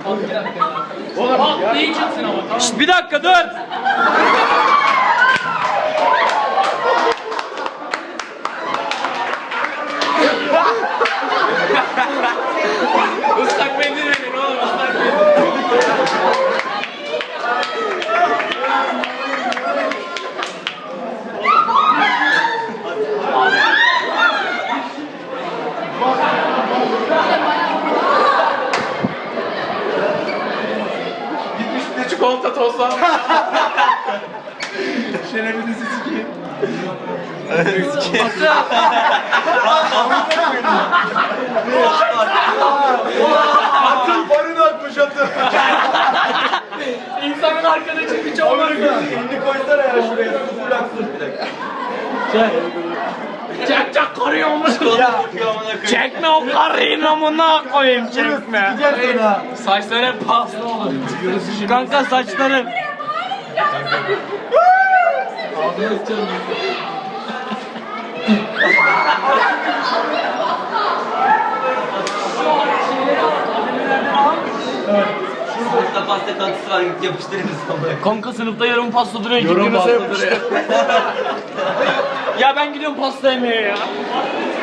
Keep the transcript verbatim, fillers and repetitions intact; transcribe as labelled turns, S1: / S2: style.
S1: Bak neyi çıksın ama tamam.
S2: Şşt, bir dakika dur.
S1: Islak mendil verin oğlum ıslak mendil. Gitmiş bir de çikolata tozlanmış. Şerefinizi sikeyim.
S3: Atın farını atmış atın.
S1: İnsanın arkadaşı hiç olmaz ya.
S3: Elini koysana ya şuraya. Sıfır aksın bir dakika.
S1: Çek çek koruyormuş.
S3: Ya.
S2: Çekme o karıyı amına koyayım çekme.
S3: Gideceksin ha.
S1: Saçları hep paslı olur.
S2: Kanka saçların.
S4: Sınıfta pasta tatlısı var, git yapıştırırız ama.
S2: Kanka sınıfta yarım pasta duruyor.
S3: Yorum
S2: Yorum
S3: pasta
S2: duruyor. Ya ben gidiyorum pasta yemeye ya.